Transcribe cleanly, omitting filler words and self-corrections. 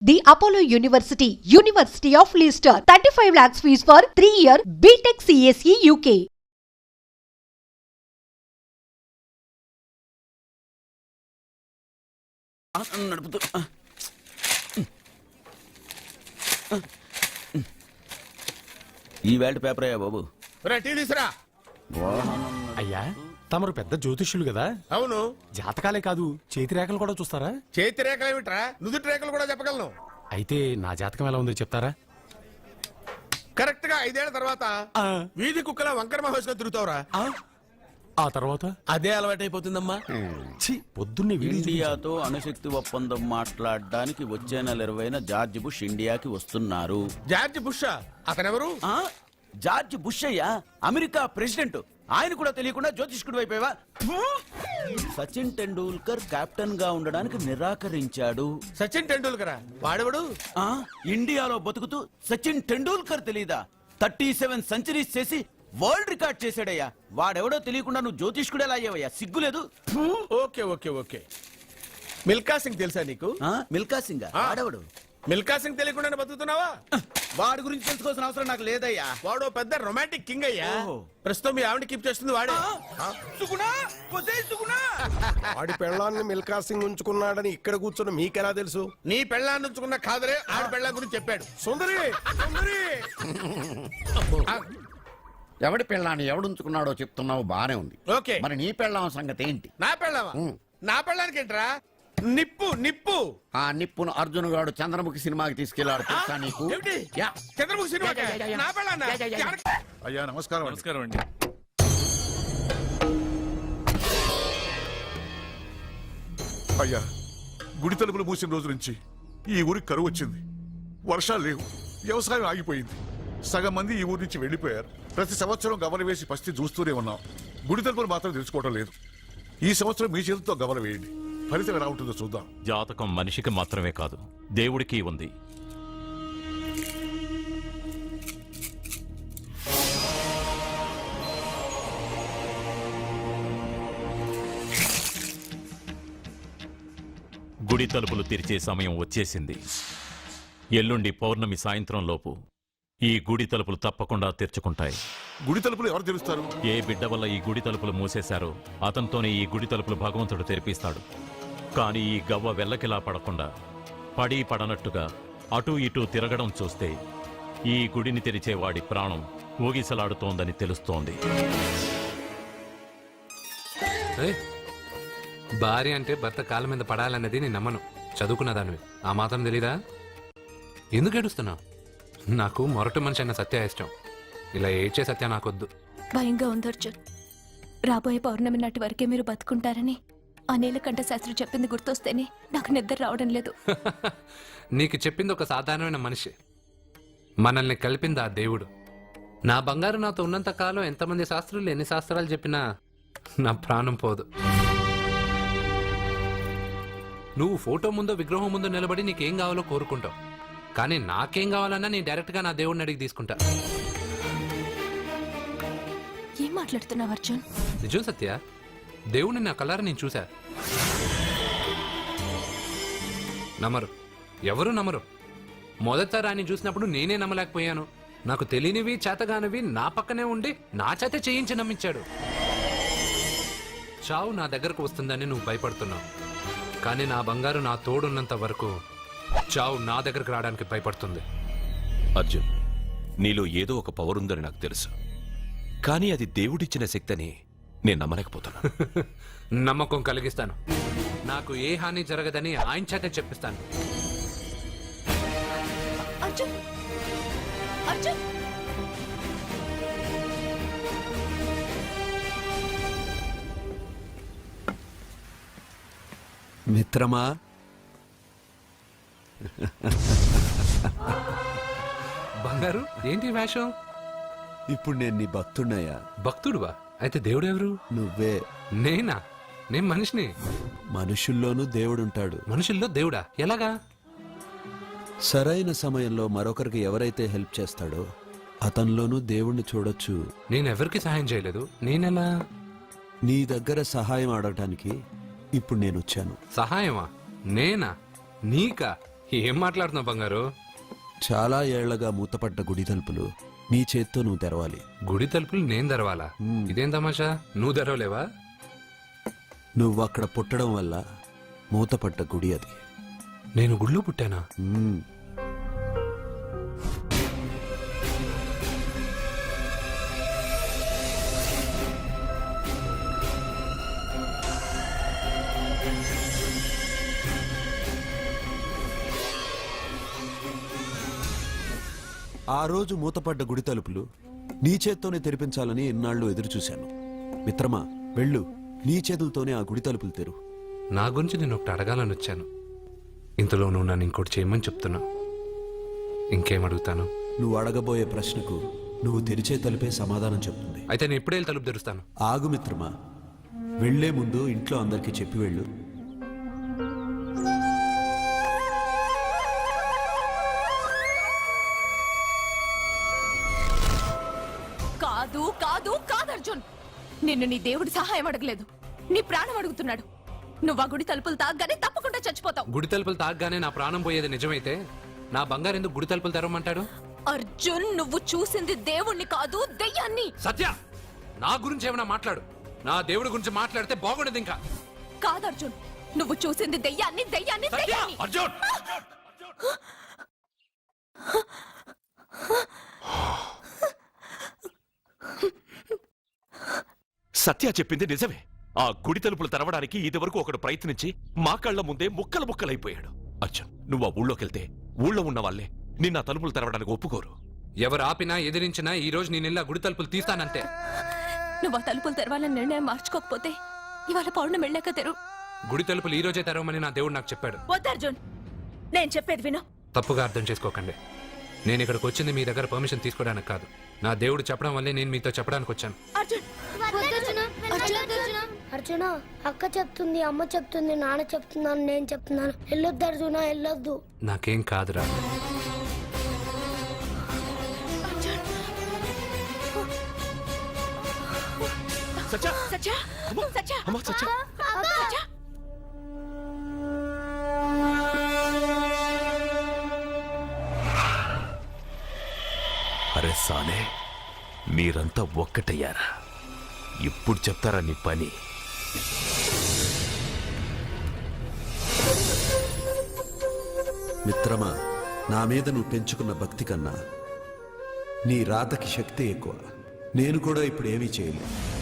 The Apollo University, University of Leicester, 35 lakhs fees for 3-year BTech CSE UK. నడుపుతూ ఈ వేల్ట్ paper అయ్యా బాబు. అయ్యా తమరు పెద్ద జ్యోతిష్యులు కదా. అవును. జాతకాలే కాదు చేతి రేఖలు కూడా చూస్తారా? చేతి రేఖలు ఏమిట్రా, నుదుటి రేఖలు కూడా చెప్పగలను. అయితే నా జాతకం ఎలా ఉందో చెప్తారా? కరెక్ట్ గా 5 ఏళ్ల తర్వాత వీధి కుక్కల వంకర మహోత్సవం తిరుగుతావురా. ఆ తర్వాత అదే అలవాటైపోతుందమ్మా. పొద్దున్నే ఇండియాతో అణుశక్తి ఒప్పందం మాట్లాడడానికి వచ్చే నెల 20న జార్జ్ బుష్ ఇండియాకి వస్తున్నారు. జార్జ్ బుష్ అతనెవరు? జార్జ్ బుష్ అయ్యా, అమెరికా ప్రెసిడెంట్. ఆయన కూడా తెలియకుండా జ్యోతిష్కుడు వైపోయావా? సచిన్ టెండూల్కర్ కెప్టెన్ గా ఉండడానికి నిరాకరించాడు. సచిన్ టెండూల్కర్ వాడెవడు? ఇండియాలో బతుకుతూ సచిన్ టెండూల్కర్ తెలీదా? 37 సెంచరీస్ చేసి వరల్డ్ రికార్డ్ చేశాడయ్యా. వాడెవడో తెలియకుండా నువ్వు జ్యోతిష్కుడు ఎలా అయ్యావయ్యా? సిగ్గులేదు. Okay okay okay. Milkha Singh తెలుసా నీకు? మిల్కా సింగ్ వాడెవడు? మిల్కా సింగ్ తెలియకుండా బతుకుతున్నావా? వాడి గురించి తెలుసుకోవాల్సిన అవసరం నాకు లేదయ్యా. వాడు పెద్ద రొమాంటిక్ కింగ్ అయ్యా. ప్రస్తుతం మీ ఆవిడ కీప్ చేస్తుంది వాడే. వాడి పెళ్ళాన్ని మిల్కా సింగ్ ఉంచుకున్నాడని ఇక్కడ కూర్చున్న మీకెలా తెలుసు? నీ పెళ్ళాన్ని ఉంచుకున్న కాదరే ఆడి పెళ్ళ గురించి చెప్పాడు. సుందరి సుందరి ఎవడి పెళ్ళాన్ని ఎవడుంచుకున్నాడో చెప్తున్నావు బానే ఉంది. ఓకే, మరి నీ పెళ్ళాం సంగతి ఏంటి? నా పెళ్ళావా? నా పెళ్ళానికి ఏంట్రా? నిప్పు నిప్పు. ఆ నిప్పును అర్జున్ గాడు చంద్రముఖి సినిమాకి తీసుకెళ్లాడు తెలుసా నీకు? యా. చంద్రముఖి సినిమా నా పెళ్ళాన్నా? అయ్యా నమస్కారం. నమస్కారం అండి. అయ్యా, గుడి తలుపులు మూసిన రోజు నుంచి ఈ ఊరికి కరువు వచ్చింది. వర్షాలు లేవు, వ్యవసాయం ఆగిపోయింది. సగం మంది ఈ ఊరి నుంచి వెళ్లిపోయారు. ప్రతి సంవత్సరం గవల వేసి పరిస్థితి చూస్తూనే ఉన్నాం. గుడి తలుపులు మాత్రం తెలుసుకోవడం లేదు. ఈ సంవత్సరం మీ చేతితో గవల వేయండి, ఫలితం ఎలా ఉంటుందో చూద్దాం. జాతకం మనిషికి మాత్రమే కాదు, దేవుడికి ఉంది. గుడి తలుపులు తెరిచే సమయం వచ్చేసింది. ఎల్లుండి పౌర్ణమి సాయంత్రం లోపు ఈ గుడి తలుపులు తప్పకుండా తెరుచుకుంటాయి. గుడి తలుపులు ఎవరు తెలుస్తారు? ఏ బిడ్డ వల్ల ఈ గుడి తలుపులు మూసేశారో అతనితోనే ఈ గుడి తలుపులు భగవంతుడు తెరిపిస్తాడు. కానీ ఈ గవ్వ వెల్లకిలా పడకుండా పడి పడనట్టుగా అటూ ఇటూ తిరగడం చూస్తే ఈ గుడిని తెరిచే వాడి ప్రాణం ఊగిసలాడుతోందని తెలుస్తోంది. భార్య అంటే భర్త కాళ్ళ మీద పడాలన్నది నేను నమ్మను. చదువుకున్న దానివి ఆ మాత్రం తెలీదా? ఎందుకు ఏడుస్తున్నావు? నాకు మొరటి మనిషి అన్న సత్య ఇష్టం. ఇలా ఏడ్చే సత్య నాకొద్దు. భయంగా ఉంది అర్జున్. రాబోయే పౌర్ణమి నాటి వరకే మీరు బతుకుంటారని ఆ నీలకంఠ శాస్త్రి చెప్పింది గుర్తొస్తేనే నాకు నిద్ర రావడం లేదు. నీకు చెప్పింది ఒక సాధారణమైన మనిషి, మనల్ని కలిపింది ఆ దేవుడు. నా బంగారు నాతో ఉన్నంత కాలం ఎంతమంది శాస్త్రులు ఎన్ని శాస్త్రాలు చెప్పినా నా ప్రాణం పోదు. నువ్వు ఫోటో ముందో విగ్రహం ముందో నిలబడి నీకేం కావాలో కోరుకుంటావు. కానీ నాకేం కావాలన్నా నేను డైరెక్ట్గా నా దేవుడిని అడిగి తీసుకుంటా. ఏం మాట్లాడుతున్నావు అర్జున్? నిజం సత్య, దేవుడిని నా కళ్ళారా నేను చూశా. నమ్మరు, ఎవరు నమ్మరు. మొదట ఆయన చూసినప్పుడు నేనే నమ్మలేకపోయాను. నాకు తెలియనివి చేతగానివి నా పక్కనే ఉండి నా చేత చేయించి నమ్మించాడు. చావు నా దగ్గరకు వస్తుందని నువ్వు భయపడుతున్నావు. కానీ నా బంగారు నా తోడున్నంత వరకు చావు నా దగ్గరకు రావడానికి భయపడుతుంది. అర్జున్, నీలో ఏదో ఒక పవర్ ఉందని నాకు తెలుసు. కానీ అది దేవుడిచ్చిన శక్తి అని నేను నమ్మలేకపోతున్నా. నమ్మకం కలిగిస్తాను. నాకు ఏ హాని జరగదని ఆయన చేత చెప్పిస్తాను. అర్జున్, అర్జున్, మిత్రమా, బంగారు ఏంటి వేషం? ఇప్పుడు నేను నీ భక్తున్నయ్యా. భక్తుడువా? అయితే దేవుడు ఎవరు? నువ్వే. నేనా? నేను మనిషిని. మనుషుల్లోనూ దేవుడుంటాడు. మనుషుల్లో దేవుడా? ఎలాగా? సరైన సమయంలో మరొకరికి ఎవరైతే హెల్ప్ చేస్తాడో అతనిలోనూ దేవుణ్ణి చూడొచ్చు. నేనెవరికి సహాయం చేయలేదు. నేనెలా? నీ దగ్గర సహాయం అడగటానికి ఇప్పుడు నేను వచ్చాను. సహాయమా? నేనా? నీకా? ఏం మాట్లాడుతున్నావు బంగారు? చాలా ఏళ్లగా మూతపడ్డ గుడి తలుపులు నీ చేత్తో నువ్వు తెరవాలి. గుడి తలుపులు నేను తెరవాలా? ఇదేం తమాషా? నువ్వు తెరవలేవా? నువ్వు అక్కడ పుట్టడం వల్ల మూతపడ్డ గుడి అది. నేను గుడిలో పుట్టానా? మ్మ్. ఆ రోజు మూతపడ్డ గుడి తలుపులు నీ చేత్తోనే తెరిపించాలని ఎన్నాళ్ళు ఎదురు చూశాను. మిత్రమా, వెళ్ళు, నీ చేతులతోనే ఆ గుడి తలుపులు తెరు. నా గురించి నేను ఒకటి అడగాలని వచ్చాను. ఇంతలో నువ్వు నన్ను ఇంకోటి చేయమని చెప్తున్నా. ఇంకేం అడుగుతాను? నువ్వు అడగబోయే ప్రశ్నకు నువ్వు తెరిచే తలుపే సమాధానం చెప్తుంది. అయితే నేను ఇప్పుడే వెళ్ళి తలుపు తెరుస్తాను. ఆగు మిత్రమా, వెళ్లే ముందు ఇంట్లో అందరికీ చెప్పి వెళ్ళు. కాదు కాదు కాదు అర్జున్, నిన్ను నీ దేవుడి సహాయం అడగలేదు, నీ ప్రాణం అడుగుతున్నాడు. నువ్వు ఆ గుడి తలుపులు తాగ్గానే తప్పకుండా చచ్చిపోతావు. గుడి తలుపులు తాగ్గానే నా ప్రాణం పోయేది నిజమైతే నా బంగారు ఎందుకు గుడి తలుపులు తెరవమంటాడు? అర్జున్, నువ్వు చూసింది దేవుణ్ణి కాదు, దెయ్యాన్ని. సత్య, నా గురించి ఏమైనా మాట్లాడు. నా దేవుడి గురించి మాట్లాడితే బాగుండదు. ఇంకా కాదు అర్జున్, నువ్వు చూసింది దెయ్యాన్ని, దెయ్యాన్ని, దెయ్యాన్ని. అర్జున్! సత్య చెప్పింది నిజమే. ఆ గుడి తలుపులు తెరవడానికి ఇదివరకు ఒకడు ప్రయత్నించి మా కళ్ళ ముందే ముక్కలు ముక్కలైపోయాడు. అర్జున్, నువ్వు ఆ ఊళ్ళోకెళ్తే ఊళ్ళో ఉన్న వాళ్ళే నిన్న తలుపులు తెరవడానికి ఒప్పుకోరు. ఎవరు ఆపినా ఎదిరించినా ఈ రోజు నేను గుడి తలుపులు తీస్తానంతే. నువ్వు ఆ తలుపులు తెరవాలని నిర్ణయం మార్చుకోకపోతే ఇవాళ పౌర్ణమి వెళ్ళాక తెరు. గుడి తలుపులు ఈ రోజే తెరవమని నా దేవుడు నాకు చెప్పాడు. వద్దు అర్జున్, నేను చెప్పేది విను. తప్పుగా అర్థం చేసుకోకండి. నేను ఇక్కడికి వచ్చింది మీ దగ్గర పర్మిషన్ తీసుకోవడానికి కాదు. నా దేవుడు చెప్పడం వల్లే నేను మీతో చెప్పడానికి వచ్చాను. అర్జున, అక్క చెప్తుంది, అమ్మ చెప్తుంది, నాన్న చెప్తున్నాను, నేను చెప్తున్నాను. వెళ్ళొద్దు అర్జున, వెళ్ళొద్దు. నాకేం కాదురా. సత్య! సత్య, సత్య, అమ్మా, సత్య! సత్య. అరే సానే, మీరంతా ఒక్కటయ్యారా? ఇప్పుడు చెప్తారా నీ పని? మిత్రమా, నా మీద నువ్వు పెంచుకున్న భక్తి కన్నా నీ రాతకి శక్తి ఎక్కువ. నేను కూడా ఇప్పుడు ఏమీ చేయలేదు.